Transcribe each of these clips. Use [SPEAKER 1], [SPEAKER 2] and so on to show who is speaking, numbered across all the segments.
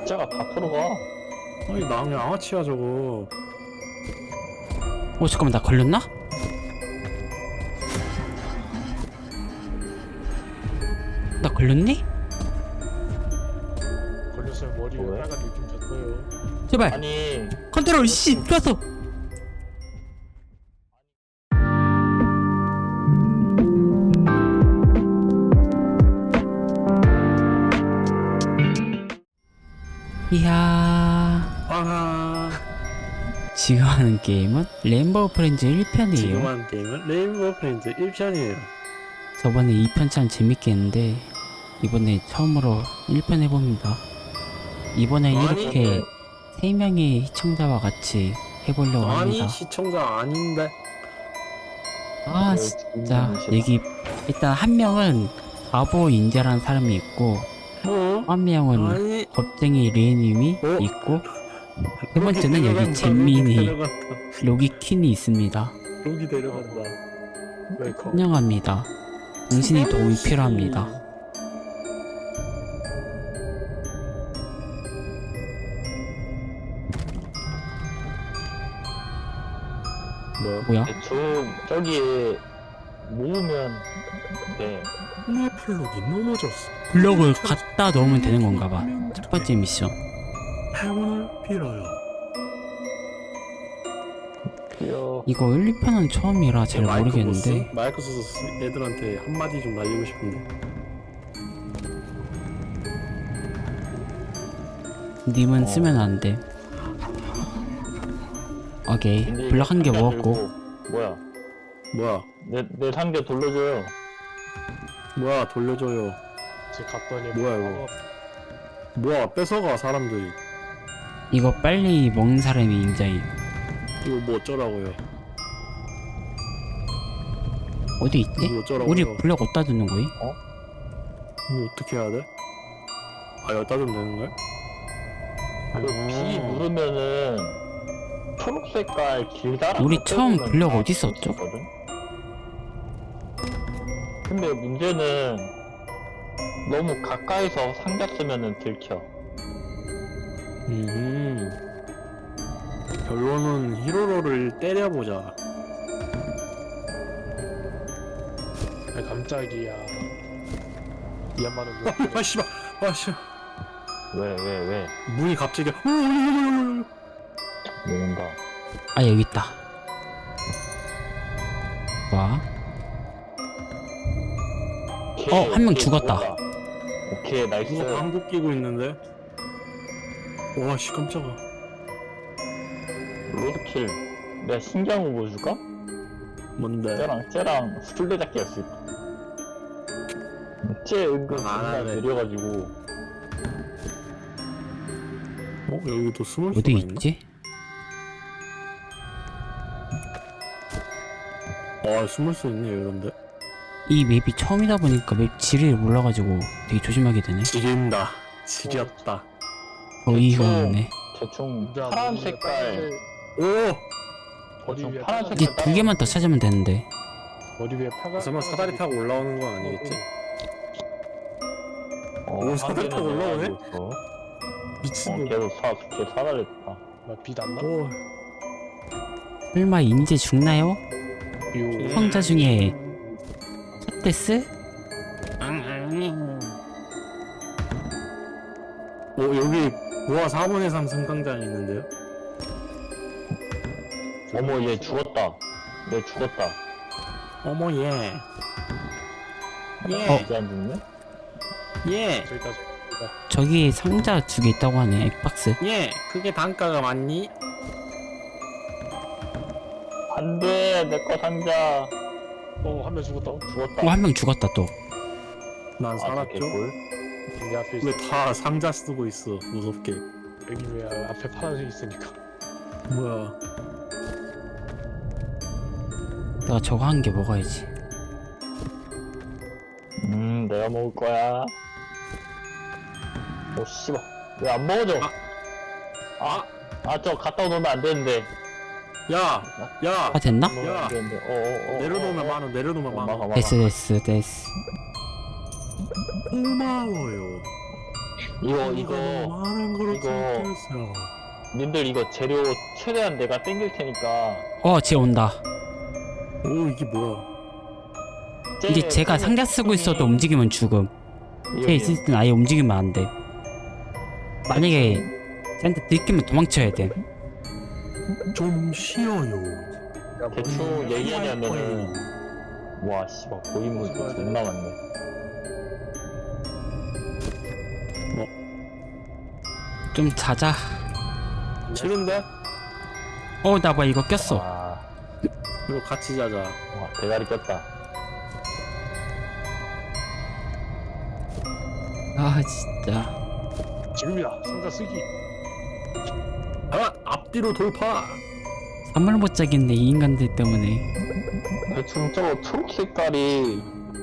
[SPEAKER 1] 숫자가 다 들어가.
[SPEAKER 2] 아니 남의 양아치야 저거.
[SPEAKER 3] 잠깐만, 나 걸렸나? 나 걸렸니?
[SPEAKER 4] 걸렸으면 머리가
[SPEAKER 1] 왜?
[SPEAKER 4] 빨간 느낌 졌어요.
[SPEAKER 3] 제발
[SPEAKER 1] 아니
[SPEAKER 3] 컨트롤 C 좋았어. 이야,
[SPEAKER 2] 아하.
[SPEAKER 3] 지금 하는 게임은 램버 프렌즈 1편이에요.
[SPEAKER 2] 지금 하는 게임은 레인보우 프렌즈 1편이에요.
[SPEAKER 3] 저번에 2편 참 재밌게 했는데 이번에 처음으로 1편 해봅니다. 이번엔
[SPEAKER 2] 아니,
[SPEAKER 3] 이렇게 3명의 시청자와 같이 해보려고 합니다.
[SPEAKER 2] 아니 시청자 아닌데.
[SPEAKER 3] 아 진짜 얘기, 일단 한 명은 바보 인재라는 사람이 있고 한 명은
[SPEAKER 2] 아니.
[SPEAKER 3] 겁쟁이 레이님이
[SPEAKER 2] 어?
[SPEAKER 3] 있고 세 번째는 여기 잼민이 로기킨이 있습니다.
[SPEAKER 2] 여기 데려간다.
[SPEAKER 4] 웰컴.
[SPEAKER 3] 환영합니다. 당신이 도움이 필요합니다. 뭐야?
[SPEAKER 1] 대충 저기에 모으면 돼.
[SPEAKER 2] 내 플럭이 넘어졌어.
[SPEAKER 3] 블럭을 갖다 넣으면 되는 건가 봐. 첫 번째 미션.
[SPEAKER 2] 행운을 빌어요.
[SPEAKER 1] 귀여워.
[SPEAKER 3] 이거 1, 2편은 처음이라 잘 모르겠는데
[SPEAKER 2] 마이크 소스 애들한테 한마디 좀 날리고 싶은데.
[SPEAKER 3] 님은 쓰면 안 돼. 오케이.
[SPEAKER 1] 근데
[SPEAKER 3] 블럭 한 개
[SPEAKER 1] 상자
[SPEAKER 3] 먹었고.
[SPEAKER 1] 들고, 뭐야?
[SPEAKER 2] 뭐야?
[SPEAKER 1] 내 상자 돌려줘요.
[SPEAKER 2] 뭐야 돌려줘요.
[SPEAKER 4] 제 갔더니
[SPEAKER 2] 뭐야, 이거? 뭐야 뺏어가 사람들이.
[SPEAKER 3] 이거 빨리 먹는 사람이 인자임.
[SPEAKER 2] 이거 뭐 어쩌라고요?
[SPEAKER 3] 어디 있지?
[SPEAKER 2] 이거 어쩌라고요?
[SPEAKER 3] 우리 블럭 어디다 두는 거임?
[SPEAKER 2] 이거 어떻게 해야 돼? 아 여기다 좀 되는 거야?
[SPEAKER 1] 그 B 누르면은 초록 색깔 길다란
[SPEAKER 3] 우리
[SPEAKER 1] 거
[SPEAKER 3] 처음
[SPEAKER 1] 떼보면
[SPEAKER 3] 블럭
[SPEAKER 1] 다
[SPEAKER 3] 어디
[SPEAKER 1] 쓸수
[SPEAKER 3] 썼죠?
[SPEAKER 1] 있거든? 근데 문제는 너무 가까이서 상자 쓰면은 들켜.
[SPEAKER 2] 결론은 히로로를 때려보자.
[SPEAKER 4] 아, 깜짝이야. 이 양반은 뭐?
[SPEAKER 2] 아 씨발. 아 씨발.
[SPEAKER 1] 왜?
[SPEAKER 2] 문이 갑자기
[SPEAKER 1] 뭔가.
[SPEAKER 3] 아 여기 있다. 와. 한 명 죽었다.
[SPEAKER 1] 오케이, 나이스.
[SPEAKER 2] 누가 방구 끼고 있는데? 와씨 깜짝아.
[SPEAKER 1] 로드킬. 내가 신기한 거 보여줄까?
[SPEAKER 2] 뭔데?
[SPEAKER 1] 쟤랑 술래잡기 할 수 있다. 쟤 은근
[SPEAKER 2] 안
[SPEAKER 1] 존나
[SPEAKER 2] 하네.
[SPEAKER 1] 느려가지고.
[SPEAKER 2] 여기도 숨을 수가
[SPEAKER 3] 어디
[SPEAKER 2] 있나?
[SPEAKER 3] 있지?
[SPEAKER 2] 숨을 수 있네 이런데.
[SPEAKER 3] 이 맵이 처음이다 보니까 맵 지리를 몰라가지고 되게 조심하게 되네.
[SPEAKER 2] 지린다. 지렸다.
[SPEAKER 3] 어이가
[SPEAKER 1] 대충-
[SPEAKER 3] 없네.
[SPEAKER 1] 대충
[SPEAKER 4] 진짜
[SPEAKER 1] 파란
[SPEAKER 4] 머리가
[SPEAKER 1] 색깔.
[SPEAKER 4] 빨간색,
[SPEAKER 2] 오!
[SPEAKER 4] 머리
[SPEAKER 1] 대충
[SPEAKER 4] 위에
[SPEAKER 1] 파란
[SPEAKER 4] 빨간색-
[SPEAKER 3] 이제
[SPEAKER 1] 색깔.
[SPEAKER 3] 두 개만 더 찾으면 되는데.
[SPEAKER 4] 머리 위에 파가.
[SPEAKER 2] 설마 사다리 타고 올라오는 건 아니겠지?
[SPEAKER 1] 오,
[SPEAKER 2] 사다리 타고 올라오네? 미친놈.
[SPEAKER 1] 걔도 걔 사다리다.
[SPEAKER 4] 빛 안 나?
[SPEAKER 2] 오.
[SPEAKER 3] 설마 인제 죽나요?
[SPEAKER 4] 요.
[SPEAKER 3] 성자 중에 첫 데스?
[SPEAKER 2] 여기 고아 4분의 3 승강장이 있는데요?
[SPEAKER 1] 어머, 얘 죽었다. 얘 죽었다.
[SPEAKER 2] 어머 예.
[SPEAKER 1] 이제 안 죽네?
[SPEAKER 2] 예.
[SPEAKER 4] 저기까지.
[SPEAKER 3] 저기 상자 두 개 있다고 하네. 엑박스.
[SPEAKER 2] 예. 그게 단가가 많니?
[SPEAKER 1] 안 돼, 내 거 상자.
[SPEAKER 4] 한 명 죽었다.
[SPEAKER 1] 죽었다.
[SPEAKER 3] 한 명 죽었다 또.
[SPEAKER 2] 난 살았죠?
[SPEAKER 1] 개꿀.
[SPEAKER 4] 내 앞에 있어.
[SPEAKER 2] 왜 다 상자 쓰고 있어 무섭게.
[SPEAKER 4] 여기 왜 앞에 파란색 있으니까.
[SPEAKER 2] 뭐야.
[SPEAKER 3] 내가 저거 한 개 먹어야지.
[SPEAKER 1] 내가 먹을 거야. 오, 씨발. 왜 안 먹어져? 저 갖다 놓으면 안 되는데.
[SPEAKER 2] 야! 야!
[SPEAKER 3] 아 됐나?
[SPEAKER 1] 놓으면 안 되는데.
[SPEAKER 2] 내려놓으면 만원 내려놓으면 만원.
[SPEAKER 3] 됐어.
[SPEAKER 2] 고마워요.
[SPEAKER 1] 이거
[SPEAKER 2] 많은 거로
[SPEAKER 1] 이거-
[SPEAKER 2] 찍혔어.
[SPEAKER 1] 님들 이거 재료 최대한 내가 땡길 테니까
[SPEAKER 3] 쟤 온다.
[SPEAKER 2] 오 이게 뭐야?
[SPEAKER 3] 이게 제가 상자 쓰고 있어도 움직이면 죽음. 쟤 있을 땐 아예 움직이면 안 돼. 만약에 쟤한테 들키면 도망쳐야 돼.
[SPEAKER 2] 좀 쉬어요.
[SPEAKER 1] 대충 얘기하냐면은 와 씨발 고인물 존나 많네.
[SPEAKER 3] 좀 자자.
[SPEAKER 2] 싫은데?
[SPEAKER 3] 나 봐 이거 꼈어.
[SPEAKER 1] 와,
[SPEAKER 2] 이거 같이 자자.
[SPEAKER 1] 와 대가리 꼈다.
[SPEAKER 3] 진짜.
[SPEAKER 4] 지금이다. 상자 쓰기.
[SPEAKER 2] 아 앞뒤로 돌파.
[SPEAKER 3] 잠을 못 자겠네 이 인간들 때문에.
[SPEAKER 1] 대충 저거 초록 색깔이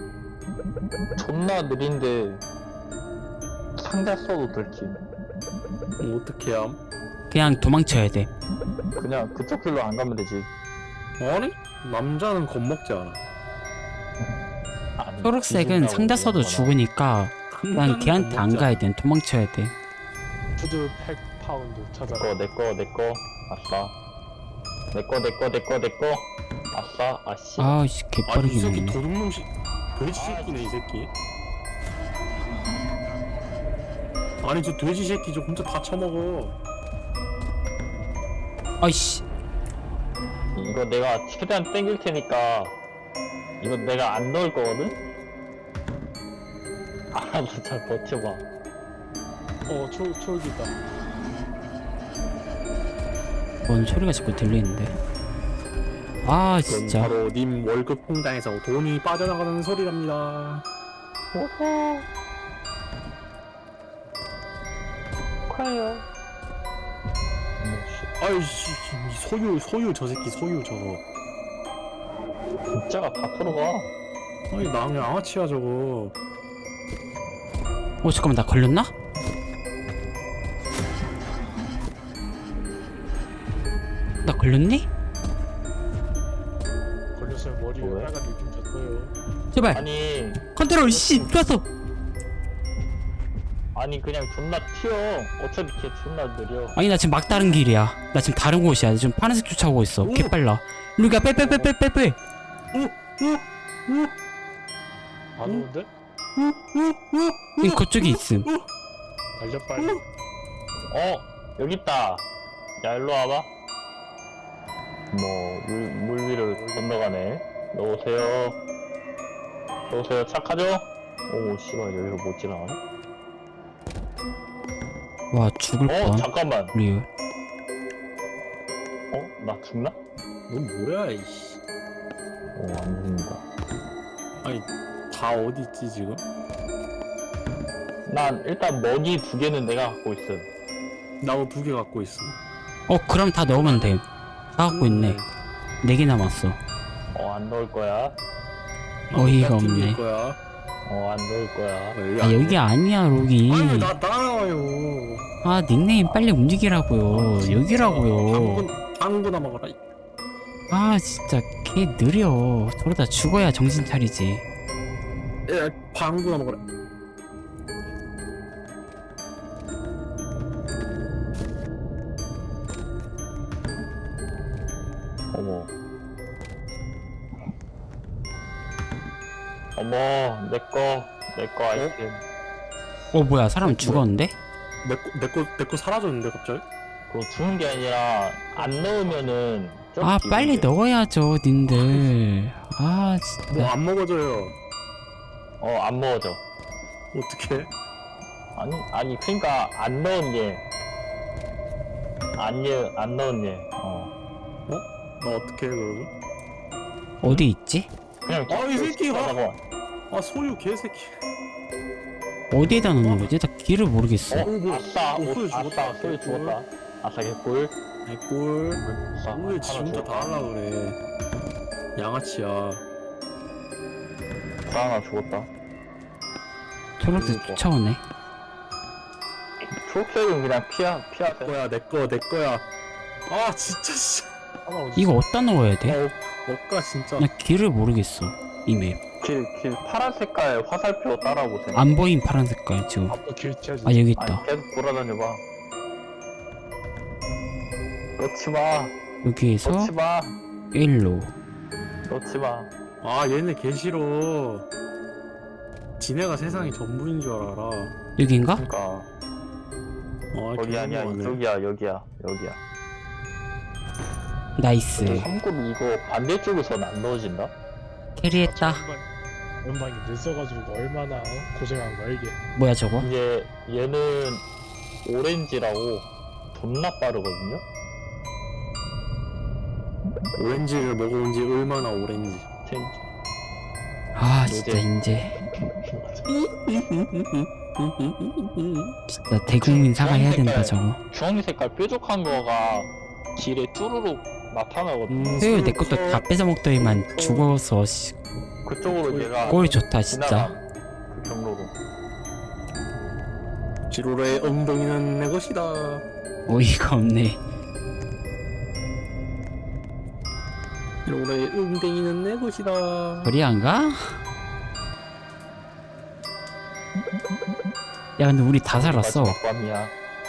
[SPEAKER 1] 존나 느린데 상자 써도 들킴.
[SPEAKER 2] 어떻게 함?
[SPEAKER 3] 그냥 도망쳐야 돼.
[SPEAKER 1] 그냥 그쪽 길로 안 가면 되지.
[SPEAKER 2] 아니 남자는 겁먹지 않아.
[SPEAKER 1] 아니,
[SPEAKER 3] 초록색은
[SPEAKER 1] 뒤진다고
[SPEAKER 3] 상자 써도
[SPEAKER 1] 그러거나.
[SPEAKER 3] 죽으니까 그냥 걔한테 안 가야 돼. 도망쳐야 돼.
[SPEAKER 4] 푸드 팩 파운드 찾아라.
[SPEAKER 1] 내거 아싸. 내거 아싸. 아씨.
[SPEAKER 3] 아씨
[SPEAKER 2] 아이
[SPEAKER 3] 개빠르게
[SPEAKER 2] 새끼
[SPEAKER 3] 먹네.
[SPEAKER 2] 도둑놈 돼지 새끼네 이 새끼. 아니 저 돼지 새끼 저 혼자 다 처먹어.
[SPEAKER 3] 아이씨.
[SPEAKER 1] 이거 내가 최대한 땡길 테니까 이거 내가 안 넣을 거거든? 알아서 잘 버텨봐.
[SPEAKER 4] 초록이 있다.
[SPEAKER 3] 뭔 소리가 자꾸 들리는데. 아
[SPEAKER 2] 그건
[SPEAKER 3] 진짜.
[SPEAKER 2] 바로 님 월급 통장에서 돈이 빠져나가는 소리랍니다.
[SPEAKER 1] 오호. 커요.
[SPEAKER 2] 아이씨 이 소유 저 새끼 소유 저거.
[SPEAKER 1] 진짜가 다 들어가.
[SPEAKER 2] 아니 나 양아치야 저거.
[SPEAKER 3] 잠깐만 나 걸렸나? 나 걸렸니?
[SPEAKER 4] 걸렸으면 머리에
[SPEAKER 1] 뭐야?
[SPEAKER 4] 빨간 느낌 줬어요.
[SPEAKER 3] 제발.
[SPEAKER 1] 아니
[SPEAKER 3] 컨트롤 씨 좋았어.
[SPEAKER 1] 그냥 존나 튀어. 어차피 걔 존나 느려.
[SPEAKER 3] 아니 나 지금 막다른 길이야. 나 지금 다른 곳이야. 지금 파란색 쫓아오고 있어. 개빨라. 루가 빼.
[SPEAKER 4] 안 오는데?
[SPEAKER 3] 이 그쪽에 있음.
[SPEAKER 4] 달려 빨리.
[SPEAKER 1] 여기 있다. 야 일로 와봐. 물 위를 건너가네. 넣으세요. 착하죠? 오 씨발 여기로 못 지나가네.
[SPEAKER 3] 와 죽을 뻔.
[SPEAKER 1] 잠깐만.
[SPEAKER 3] 리얼.
[SPEAKER 1] 나 죽나?
[SPEAKER 2] 넌 뭐야 이씨.
[SPEAKER 1] 안 죽는다.
[SPEAKER 2] 아니 다 어디 있지 지금?
[SPEAKER 1] 난 일단 먹이 2개는 내가 갖고 있음.
[SPEAKER 2] 나도 2개 갖고 있어.
[SPEAKER 3] 그럼 다 넣으면 돼. 다 갖고 있네. 4개 남았어.
[SPEAKER 1] 안 넣을 거야.
[SPEAKER 3] 어이가 없네.
[SPEAKER 2] 거야.
[SPEAKER 1] 안 넣을 거야.
[SPEAKER 3] 아 여기 아니야 로기.
[SPEAKER 2] 아니 나 따라와요.
[SPEAKER 3] 아 닉네임 빨리 움직이라고요. 여기라고요.
[SPEAKER 2] 방구나 먹어라.
[SPEAKER 3] 아 진짜 걔 느려. 저러다 죽어야 정신 차리지.
[SPEAKER 2] 야 방구나 먹어라.
[SPEAKER 1] 어머 내거 아이템.
[SPEAKER 3] 뭐야 사람 죽었는데?
[SPEAKER 2] 내거 사라졌는데 갑자기?
[SPEAKER 1] 그거 주는 게 아니라 안 넣으면은 좀
[SPEAKER 3] 아
[SPEAKER 1] 기분이
[SPEAKER 3] 빨리
[SPEAKER 1] 돼.
[SPEAKER 3] 넣어야죠 님들. 아
[SPEAKER 2] 뭐
[SPEAKER 3] 진짜.
[SPEAKER 2] 안 먹어져요.
[SPEAKER 1] 안 먹어져.
[SPEAKER 2] 어떻게?
[SPEAKER 1] 아니 그러니까 안 넣은 얘. 안 넣은 얘.
[SPEAKER 2] 나 어떻게 해 그러면?
[SPEAKER 3] 어디 있지?
[SPEAKER 1] 그냥
[SPEAKER 2] 이 새끼가.
[SPEAKER 1] 가져가.
[SPEAKER 2] 아 소유 개새끼.
[SPEAKER 3] 어디에다 넣는 거지? 나 길을 모르겠어.
[SPEAKER 1] 아싸
[SPEAKER 2] 소유
[SPEAKER 1] 아싸
[SPEAKER 2] 죽었다.
[SPEAKER 1] 소유 죽었다. 아싸 개꿀.
[SPEAKER 2] 개꿀.
[SPEAKER 1] 아싸,
[SPEAKER 2] 왜 지
[SPEAKER 1] 하나
[SPEAKER 2] 혼자 다
[SPEAKER 1] 죽었다.
[SPEAKER 2] 하려 그래. 양아치야.
[SPEAKER 1] 하나 죽었다.
[SPEAKER 3] 초록색 쫓아오네.
[SPEAKER 1] 초록색은 그냥 피하세요.
[SPEAKER 2] 거야 내 거야. 아 진짜 씨.
[SPEAKER 4] 하나 어디
[SPEAKER 3] 이거 어디다 넣어야 돼?
[SPEAKER 2] 먹가 진짜.
[SPEAKER 3] 나 길을 모르겠어 이 맵.
[SPEAKER 1] 길 파란 색깔 화살표 따라오세요.
[SPEAKER 3] 안 보임 파란 색깔 지금.
[SPEAKER 4] 앞으로 길 튀어지.
[SPEAKER 3] 아 여기 있다.
[SPEAKER 1] 아니, 계속 돌아다녀봐. 놓치마.
[SPEAKER 3] 여기에서
[SPEAKER 1] 놓치마.
[SPEAKER 3] 일로.
[SPEAKER 1] 놓치마.
[SPEAKER 2] 아 얘네 개 싫어. 지네가 세상이 전부인 줄 알아.
[SPEAKER 3] 여긴가?
[SPEAKER 1] 그니까 거기 아니야.
[SPEAKER 2] 개너무하네.
[SPEAKER 1] 이쪽이야. 여기야.
[SPEAKER 3] 나이스.
[SPEAKER 1] 참고로 이거 반대쪽에서는 안 넣어진다?
[SPEAKER 3] 캐리했다.
[SPEAKER 4] 연방이 늦어가지고 얼마나 고생한 거야 이게.
[SPEAKER 3] 뭐야 저거?
[SPEAKER 1] 이제 얘는 오렌지라고 존나 빠르거든요?
[SPEAKER 2] 오렌지를 먹어본 지 얼마나 오렌지.
[SPEAKER 3] 아 진짜 인제 진짜 대국민 사과해야 된다 저거.
[SPEAKER 1] 주황색 색깔 뾰족한 거가 길에 쭈루룩 나타나거든요.
[SPEAKER 3] 수요일 내 것도 다 뺏어 먹더니만 죽어서 씨,
[SPEAKER 1] 그쪽으로 얘가
[SPEAKER 3] 꼴 좋다 진짜.
[SPEAKER 1] 지나가. 그 경로로.
[SPEAKER 2] 지로의 엉덩이는 내 것이다.
[SPEAKER 3] 어이가 없네.
[SPEAKER 2] 지로의 엉덩이는 내 것이다.
[SPEAKER 3] 저리 안 가? 야 근데 우리 다 살았어.
[SPEAKER 1] 마지막 밤이야.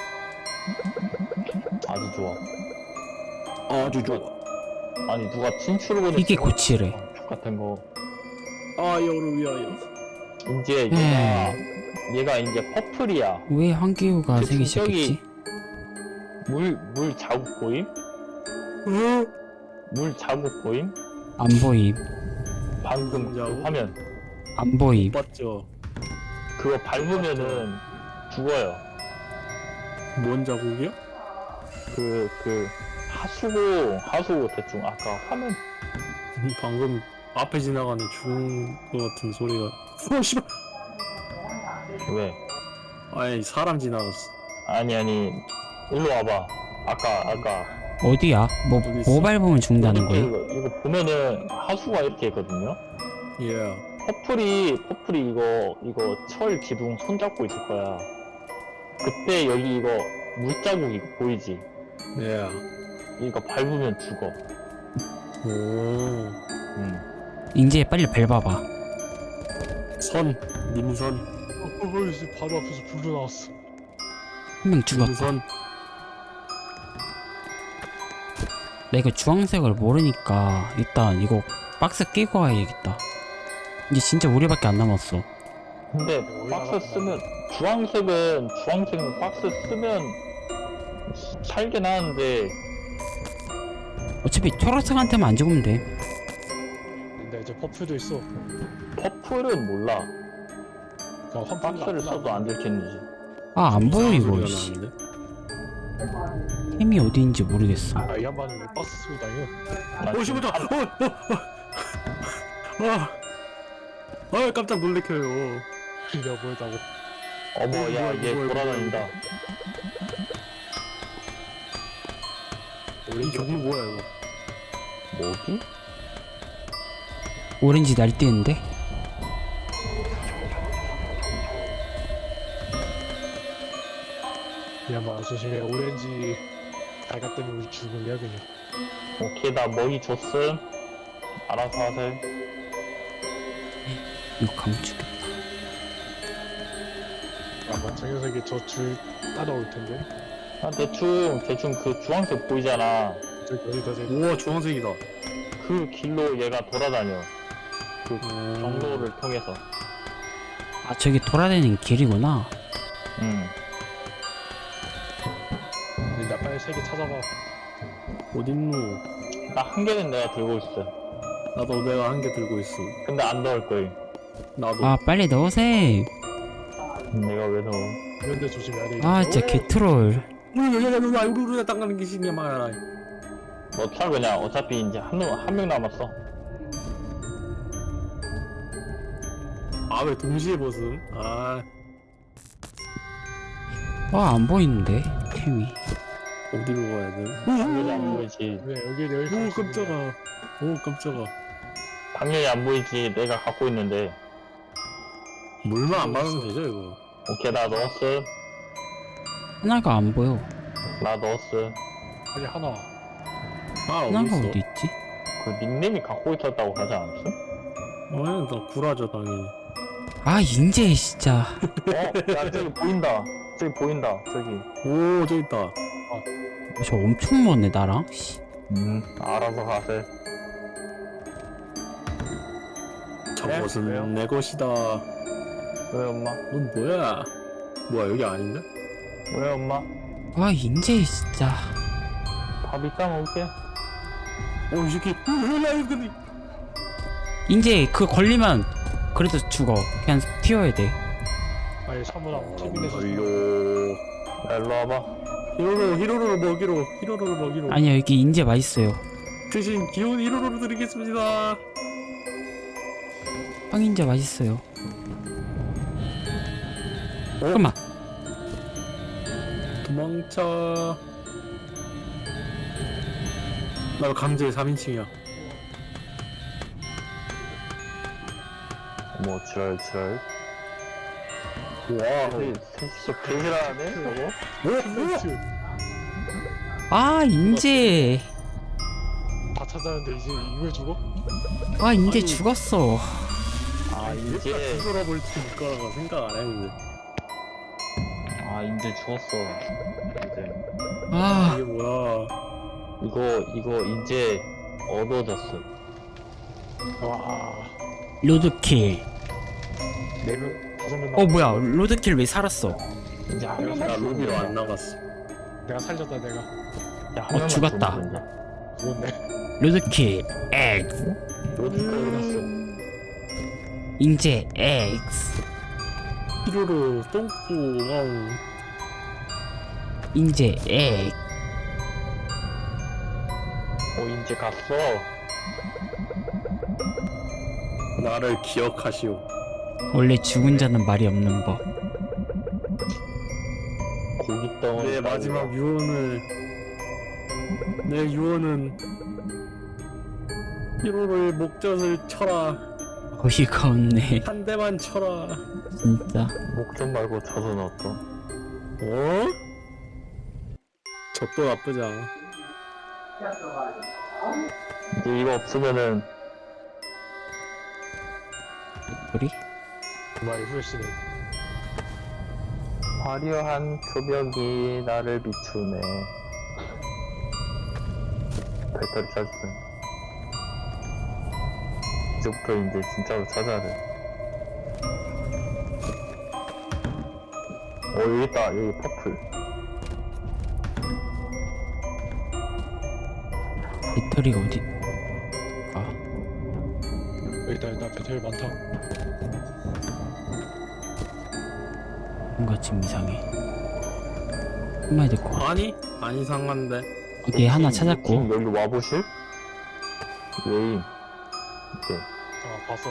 [SPEAKER 1] 아주 좋아.
[SPEAKER 2] 아주 좋아.
[SPEAKER 1] 아니 누가 친추를 보냈어.
[SPEAKER 3] 이게 고치래.
[SPEAKER 1] 같은 거.
[SPEAKER 2] 아여를 위하여.
[SPEAKER 1] 이제 얘가 이제 퍼플이야.
[SPEAKER 3] 왜 한기우가
[SPEAKER 1] 그
[SPEAKER 3] 생기
[SPEAKER 1] 성격이-
[SPEAKER 3] 시작했지?
[SPEAKER 1] 물 자국 보임? 물 자국 보임?
[SPEAKER 3] 안 보임.
[SPEAKER 1] 방금 그
[SPEAKER 2] 자국?
[SPEAKER 1] 화면.
[SPEAKER 3] 안 보임.
[SPEAKER 2] 맞죠?
[SPEAKER 1] 그거 밟으면은 죽어요.
[SPEAKER 2] 뭔 자국이야?
[SPEAKER 1] 그 하수구 대충 아까 화면
[SPEAKER 2] 방금 앞에 지나가는 죽은 것 같은 소리가. 씨발.
[SPEAKER 1] 왜?
[SPEAKER 2] 아니 사람 지나갔어.
[SPEAKER 1] 아니 일로 와봐. 아까
[SPEAKER 3] 어디야? 뭐
[SPEAKER 2] 어디 있어?
[SPEAKER 3] 밟으면 죽는다는 거야?
[SPEAKER 1] 이거 보면은 하수가 이렇게 있거든요.
[SPEAKER 2] 예.
[SPEAKER 1] 퍼플이 이거 철 기둥 손잡고 있을 거야. 그때 여기 이거 물자국 이거 보이지?
[SPEAKER 2] 예.
[SPEAKER 1] 이거 밟으면 죽어.
[SPEAKER 2] 오.
[SPEAKER 3] 이제 빨리 밟아봐.
[SPEAKER 2] 선. 님선.
[SPEAKER 4] 바로 앞에서 불도 나왔어.
[SPEAKER 3] 한 명 죽었다.
[SPEAKER 2] 님선.
[SPEAKER 3] 나 이거 주황색을 모르니까 일단 이거 박스 끼고 가야겠다. 이제 진짜 우리밖에 안 남았어.
[SPEAKER 1] 근데 박스 쓰면 주황색은 박스 쓰면 살긴 하는데
[SPEAKER 3] 어차피 초록색한테만 안 죽으면 돼.
[SPEAKER 4] 근데 이제 퍼플도 있어.
[SPEAKER 1] 퍼플은 몰라.
[SPEAKER 4] 그냥 환풍기
[SPEAKER 1] 박스를 써도 안 들켰는지.
[SPEAKER 3] 아 안 보여 이거.
[SPEAKER 2] 소리가
[SPEAKER 3] 씨.
[SPEAKER 2] 나는데?
[SPEAKER 3] 템이 어디인지 모르겠어.
[SPEAKER 4] 아, 이 양반은 왜 박스 쓰고 다녀?
[SPEAKER 2] 오 씨부터. 아 깜짝 놀래켜요.
[SPEAKER 4] 내가 보였다고.
[SPEAKER 1] 어머 야 얘
[SPEAKER 2] 뭐야,
[SPEAKER 1] 돌아다닌다.
[SPEAKER 2] 이 경우 뭐야 이거?
[SPEAKER 1] 뭐지?
[SPEAKER 3] 오렌지 날뛰는데?
[SPEAKER 4] 이 양반 조심해. 오렌지 달걀 때문에 우리 죽을래야 그냥.
[SPEAKER 1] 오케이 나 머리 줬음. 알아서 하세요.
[SPEAKER 3] 이거 가면 죽겠다.
[SPEAKER 4] 아마 저 녀석이 저 줄 따라올 텐데.
[SPEAKER 1] 아, 대충 그 주황색 보이잖아.
[SPEAKER 4] 저기 어디다 대.
[SPEAKER 2] 우와 주황색이다.
[SPEAKER 1] 그 길로 얘가 돌아다녀. 그 경로를 통해서.
[SPEAKER 3] 아 저기 돌아다니는 길이구나.
[SPEAKER 4] 나 빨리 세 개 찾아봐.
[SPEAKER 2] 어딨노?
[SPEAKER 1] 나 한 개는 내가 들고 있어.
[SPEAKER 2] 나도 내가 한 개 들고 있어.
[SPEAKER 1] 근데 안 넣을 거임.
[SPEAKER 2] 나도.
[SPEAKER 3] 아 빨리 넣으세요.
[SPEAKER 1] 내가 왜 넣어?
[SPEAKER 4] 이런데 조심해야 돼.
[SPEAKER 3] 아 진짜 개트롤.
[SPEAKER 2] 우리가 우리가 땅가는 게 신기해 말이야.
[SPEAKER 1] 넣자 그냥. 어차피 이제 한 명 남았어.
[SPEAKER 2] 아 왜 동시에 벗음? 아
[SPEAKER 3] 와 안 보이는데 템이.
[SPEAKER 2] 어디로 가야 돼?
[SPEAKER 1] 당연히 안 보이지.
[SPEAKER 4] 네, 여기.
[SPEAKER 2] 오 깜짝아. 오 깜짝아.
[SPEAKER 1] 당연히 안 보이지. 내가 갖고 있는데.
[SPEAKER 2] 물만 안 받으면 되죠 이거.
[SPEAKER 1] 오케이 나 넣었어.
[SPEAKER 3] 하나가 안 보여.
[SPEAKER 1] 나 넣었어.
[SPEAKER 4] 아니 하나.
[SPEAKER 2] 아
[SPEAKER 3] 하나가
[SPEAKER 2] 어디
[SPEAKER 3] 어디
[SPEAKER 2] 있어?
[SPEAKER 3] 있지?
[SPEAKER 1] 그 닉네임이 갖고 있었다고 하지 않았어?
[SPEAKER 2] 나 구라죠 당연히.
[SPEAKER 3] 아 인제 진짜.
[SPEAKER 1] 야 저기 보인다. 저기 보인다. 저기.
[SPEAKER 2] 오 저기 있다.
[SPEAKER 3] 저 엄청 먼네 나랑. 씨.
[SPEAKER 1] 알아서 가세.
[SPEAKER 2] 저것은
[SPEAKER 1] 왜요?
[SPEAKER 2] 내 것이다.
[SPEAKER 1] 왜 엄마?
[SPEAKER 2] 넌 뭐야? 뭐야 여기 아닌데?
[SPEAKER 1] 왜 엄마?
[SPEAKER 3] 아 인제 진짜.
[SPEAKER 1] 밥 이따 먹을게.
[SPEAKER 2] 이 새끼. 뭐야 이거 근데.
[SPEAKER 3] 인제 그거 걸리면 그래도 죽어. 그냥 튀어야 돼.
[SPEAKER 4] 아니 사무랑 케빈에서
[SPEAKER 2] 걸려.
[SPEAKER 1] 야, 일로 와봐.
[SPEAKER 2] 히로로를 먹이로.
[SPEAKER 3] 아니야 여기 인제 맛있어요.
[SPEAKER 2] 대신 귀여운 히로로를 드리겠습니다.
[SPEAKER 3] 빵 인제 맛있어요. 잠깐만.
[SPEAKER 2] 도망쳐. 나 강제 3인칭이야.
[SPEAKER 1] 뭐 지랄.
[SPEAKER 2] 와.
[SPEAKER 1] 진짜 개지랄하네 저거.
[SPEAKER 3] 아 인제.
[SPEAKER 4] 다 찾았는데 이제 이걸 주고?
[SPEAKER 3] 아 인제
[SPEAKER 2] 아니.
[SPEAKER 3] 죽었어.
[SPEAKER 1] 이제
[SPEAKER 2] 뒤돌아볼 거라고 생각 안 했는데.
[SPEAKER 1] 이제 죽었어. 이제
[SPEAKER 3] 아
[SPEAKER 2] 이게 뭐야?
[SPEAKER 1] 이거 이제 얻어졌어.
[SPEAKER 4] 와
[SPEAKER 3] 로드킬.
[SPEAKER 4] 4명 5명
[SPEAKER 3] 어 뭐야 로드킬 왜 살았어?
[SPEAKER 1] 이제 한
[SPEAKER 4] 내가
[SPEAKER 1] 명만
[SPEAKER 2] 나
[SPEAKER 1] 죽으면
[SPEAKER 2] 로비로 안
[SPEAKER 1] 된다.
[SPEAKER 2] 나갔어.
[SPEAKER 4] 내가 살렸다 내가
[SPEAKER 1] 야, 한 명만
[SPEAKER 3] 죽었다.
[SPEAKER 1] 죽으면 된다.
[SPEAKER 4] 죽었네.
[SPEAKER 3] 로드킬 X.
[SPEAKER 1] 로드까지 갔어.
[SPEAKER 3] 인제 X.
[SPEAKER 2] 히로로 똥꼬 와우.
[SPEAKER 3] 인제 X.
[SPEAKER 1] 이제 갔어.
[SPEAKER 2] 나를 기억하시오.
[SPEAKER 3] 원래 죽은 자는 말이 없는 법.
[SPEAKER 1] 고기 덩어리.
[SPEAKER 2] 내 마지막 유언을. 내 유언은 히로로의 목젖을 쳐라.
[SPEAKER 3] 어이가 없네.
[SPEAKER 2] 한 대만 쳐라.
[SPEAKER 3] 진짜.
[SPEAKER 1] 목전 말고 젖은 어떠?
[SPEAKER 2] 어? 젖도 나쁘지 않아.
[SPEAKER 1] 이제 이거 없으면은
[SPEAKER 3] 우리?
[SPEAKER 4] 그 말이 후회시네.
[SPEAKER 1] 화려한 초벽이 나를 비추네. 배터리 찾았음. 이제부터 이제 진짜로 찾아야 돼. 여기 있다. 여기 퍼플.
[SPEAKER 3] 배터리가 어디? 아
[SPEAKER 4] 여기다 배터리 많다.
[SPEAKER 3] 뭔가 지금 이상해. 한마디 듣고.
[SPEAKER 2] 아니? 안 이상한데.
[SPEAKER 3] 오케이 하나 찾았고.
[SPEAKER 1] 여기 와보실? 웨임. 이렇게.
[SPEAKER 4] 봤어.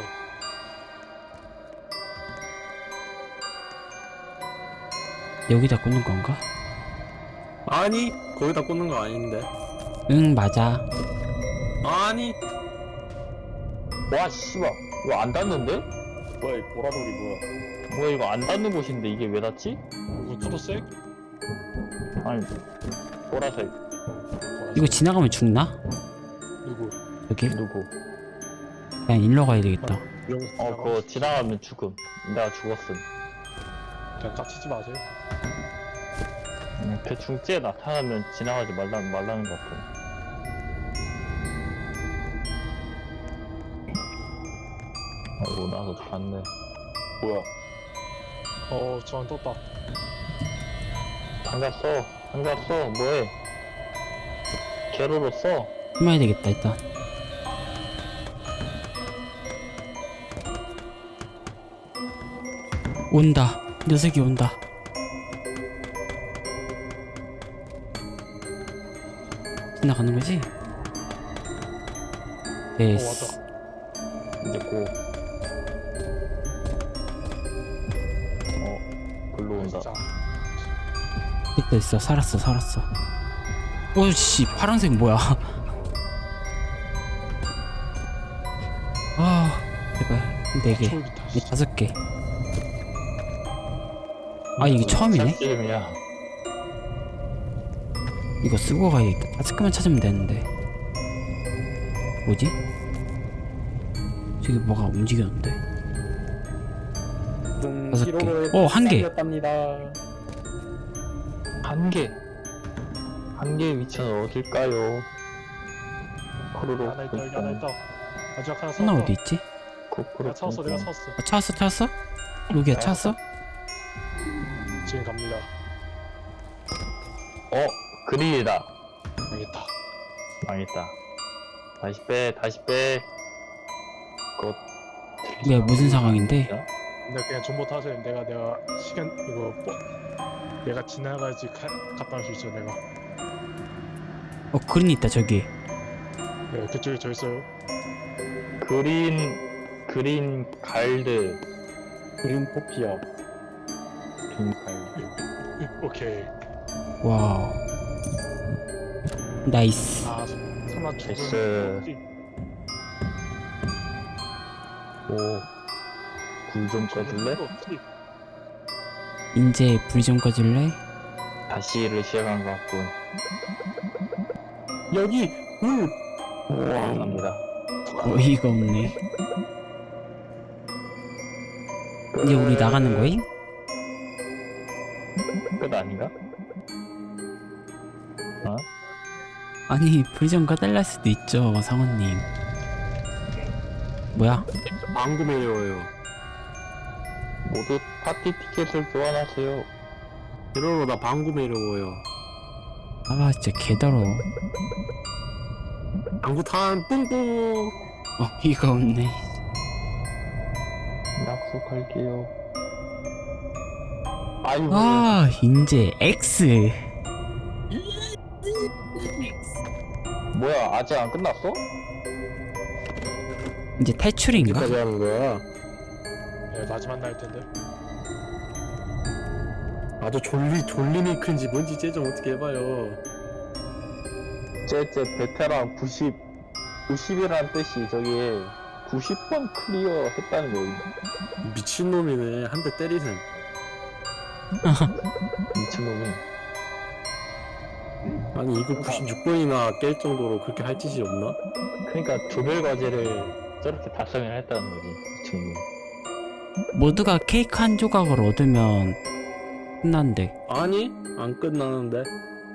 [SPEAKER 3] 여기다 꽂는 건가?
[SPEAKER 2] 아니? 거기다 꽂는 거 아닌데.
[SPEAKER 3] 응 맞아.
[SPEAKER 2] 아니?
[SPEAKER 1] 와 씨발. 이거 안 닿는데?
[SPEAKER 2] 뭐야 이 보라돌이 뭐야?
[SPEAKER 1] 뭐야 이거 안 닿는 곳인데 이게 왜 닿지?
[SPEAKER 4] 이거 초록색?
[SPEAKER 1] 아니 보라색.
[SPEAKER 3] 이거 지나가면 죽나?
[SPEAKER 4] 누구?
[SPEAKER 3] 여기?
[SPEAKER 1] 누구?
[SPEAKER 3] 그냥 일로 가야 되겠다.
[SPEAKER 1] 그거 지나가면 죽음. 내가 죽었음.
[SPEAKER 4] 그냥 깝치지 마세요.
[SPEAKER 1] 대충 쟤 나타나면 지나가지 말라는 것 같아. 아이고 나도 봤네.
[SPEAKER 4] 뭐야? 저안 떴다.
[SPEAKER 1] 장갑 써. 뭐해? 게로로 써.
[SPEAKER 3] 숨어야 되겠다 일단. 온다. 녀석이 온다. 지나가는 거지? 됐어.
[SPEAKER 4] 왔다.
[SPEAKER 1] 이제 고. 글로 온다.
[SPEAKER 4] 진짜.
[SPEAKER 3] 됐어. 살았어. 오씨 파란색 뭐야? 아 제발 4개,
[SPEAKER 4] 초록이다.
[SPEAKER 3] 5개. 아 이게 처음이네?
[SPEAKER 1] 이름이야.
[SPEAKER 3] 이거 쓰고 가야겠다. 5개만 찾으면 되는데. 뭐지? 저기 뭐가 움직였는데?
[SPEAKER 2] 무슨
[SPEAKER 3] 5개.
[SPEAKER 2] 기록을
[SPEAKER 3] 오, 1개.
[SPEAKER 2] 달렸답니다.
[SPEAKER 1] 한 개의 위치는 어딜까요? 코로로.
[SPEAKER 4] 하나 있다 여기 하나 있다. 마지막 하나
[SPEAKER 3] 하나
[SPEAKER 4] 샀어.
[SPEAKER 3] 어디 있지?
[SPEAKER 1] 코코로.
[SPEAKER 4] 내가 찾았어 내가 찾았어.
[SPEAKER 3] 아, 찾았어? 여기야, 찾았어?
[SPEAKER 4] 지금 갑니다.
[SPEAKER 1] 그릴이다.
[SPEAKER 4] 알겠다.
[SPEAKER 1] 망했다. 다시 빼. 그거.
[SPEAKER 3] 왜, 무슨 상황인데?
[SPEAKER 4] 근데 그냥 존버 타세요. 내가 시간 이거 내가 지나가야지 갔다 올 수 있어 내가.
[SPEAKER 3] 그린 있다, 저기.
[SPEAKER 4] 네, 그쪽에 저 있어요.
[SPEAKER 1] 그린 갈드.
[SPEAKER 2] 그린 포피아.
[SPEAKER 1] 그린 갈드.
[SPEAKER 4] 오케이.
[SPEAKER 3] 와우. 나이스.
[SPEAKER 4] 아 설마
[SPEAKER 1] 됐어.
[SPEAKER 4] 죽은
[SPEAKER 1] 불 좀 꺼줄래?
[SPEAKER 3] 이제 불 좀 꺼줄래?
[SPEAKER 1] 다시 일을 시작한 것 같군.
[SPEAKER 2] 여기 물.
[SPEAKER 1] 감사합니다.
[SPEAKER 3] 어이가 없네. 이제 우리 나가는 거임?
[SPEAKER 1] 끝 아닌가?
[SPEAKER 3] 아니, 불 좀 꺼달랄 수도 있죠, 상원님. 뭐야?
[SPEAKER 2] 방구 매려워요.
[SPEAKER 1] 모두 파티 티켓을 교환하세요.
[SPEAKER 2] 이러로 나 방구 매려워요.
[SPEAKER 3] 아, 진짜 개더러워.
[SPEAKER 2] 방구 탄 뿡뿡.
[SPEAKER 3] 어이가 없네.
[SPEAKER 1] 약속할게요. 아이고.
[SPEAKER 3] 아, 이제 X.
[SPEAKER 1] 뭐야, 아직 안 끝났어?
[SPEAKER 3] 이제 탈출인가?
[SPEAKER 2] 어디까지 하는 거야?
[SPEAKER 4] 네, 마지막 날일 텐데.
[SPEAKER 2] 아주 졸리메이크인지 뭔지 쟤좀 어떻게 해봐요.
[SPEAKER 1] 쟤 베테랑 90이란 뜻이 저기 90번 클리어 했다는 거임.
[SPEAKER 2] 미친놈이네. 한 대 때리셈.
[SPEAKER 1] 미친놈이.
[SPEAKER 2] 아니 이거 96번이나 깰 정도로 그렇게 할 짓이 없나?
[SPEAKER 1] 그러니까 조별 과제를 저렇게 달성을 했다는 거지. 미친놈이.
[SPEAKER 3] 모두가 케이크 한 조각을 얻으면 끝난대.
[SPEAKER 2] 아니 안 끝나는데.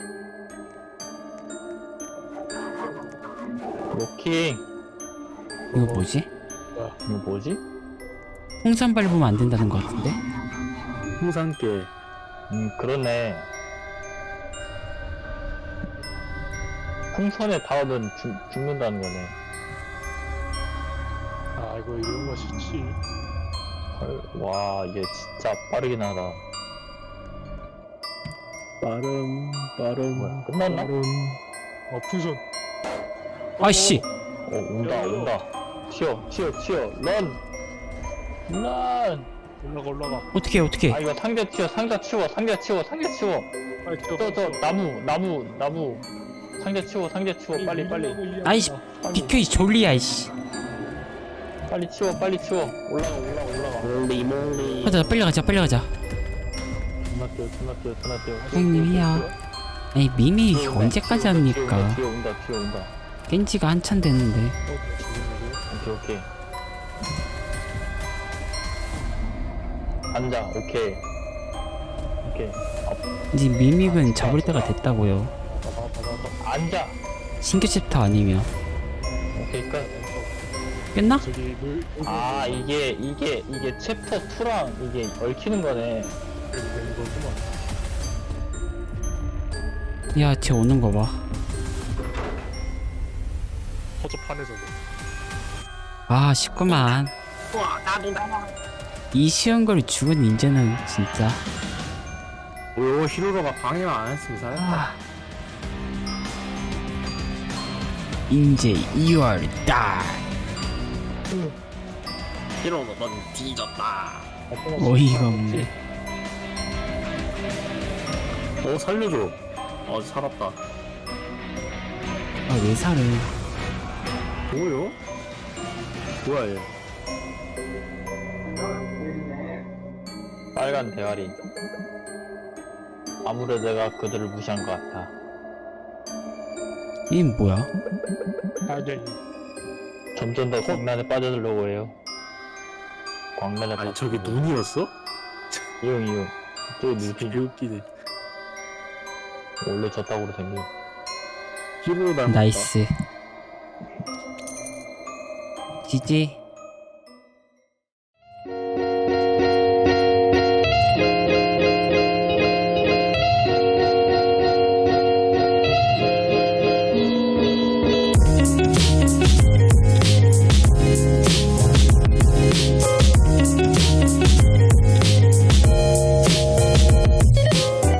[SPEAKER 1] 로킹.
[SPEAKER 3] 이거 뭐지?
[SPEAKER 1] 이거 뭐지?
[SPEAKER 3] 풍선 밟으면 안 된다는 것 같은데?
[SPEAKER 2] 풍산깨.
[SPEAKER 1] 그러네. 풍선에 닿으면 죽는다는 거네.
[SPEAKER 4] 아 이거 이런 거 싫지.
[SPEAKER 1] 헐, 와, 이게 진짜 빠르긴 하다.
[SPEAKER 2] 빠름.
[SPEAKER 1] 뭐야, 끝났나?
[SPEAKER 4] 풍선.
[SPEAKER 3] 아이씨!
[SPEAKER 1] 온다. 튀어, 런!
[SPEAKER 4] 올라가.
[SPEAKER 3] 어떻게.
[SPEAKER 1] 아, 이거 상자 치워.
[SPEAKER 4] 빨리 뛰어.
[SPEAKER 1] 저 나무. 상자 치워, 빨리.
[SPEAKER 3] 아이씨, 비켜, 이 졸리야, 이씨.
[SPEAKER 1] 빨리 치워. 올라가.
[SPEAKER 2] 몰리.
[SPEAKER 3] 가자, 빨리 가자.
[SPEAKER 1] 존나 뛰어.
[SPEAKER 3] 형님이야. 아니, 미미 언제까지 합니까?
[SPEAKER 1] 뒤에 온다.
[SPEAKER 3] 깬지가 한참 됐는데.
[SPEAKER 1] 오케이. 앉아, 오케이.
[SPEAKER 3] 이제 미믹은 잡을 때가 됐다고요.
[SPEAKER 1] 앉아.
[SPEAKER 3] 신규 챕터 아니면.
[SPEAKER 1] 오케이, 끝.
[SPEAKER 3] 끝나?
[SPEAKER 4] 저기 물.
[SPEAKER 1] 아, 이게 챕터 2랑 이게 얽히는 거네.
[SPEAKER 4] 되는 거구만.
[SPEAKER 3] 야, 쟤 오는 거 봐.
[SPEAKER 4] 허접하네 저거.
[SPEAKER 3] 아, 쉽구만. 이 쉬운 걸 죽은 인재는 진짜.
[SPEAKER 2] 오 히로로가 방해만 안 했으면 살았다.
[SPEAKER 3] 인재 2월 달.
[SPEAKER 2] 히로로 넌 뒤졌다.
[SPEAKER 3] 어이가 없네.
[SPEAKER 2] 살려줘. 살았다.
[SPEAKER 3] 아, 왜 살을.
[SPEAKER 2] 뭐요? 뭐야 얘?
[SPEAKER 1] 빨간 대가리. 아무래도 내가 그들을 무시한 것 같아.
[SPEAKER 3] 얘 뭐야?
[SPEAKER 4] 당연히.
[SPEAKER 1] 점점 더 광란에 빠져들려고 해요. 광란에
[SPEAKER 2] 아니 저게 눈이었어?
[SPEAKER 1] 이용 저기 누지
[SPEAKER 2] 개웃기네.
[SPEAKER 1] 원래 저 땅으로 생겨.
[SPEAKER 2] 히로 닮았다.
[SPEAKER 3] 나이스. 지지.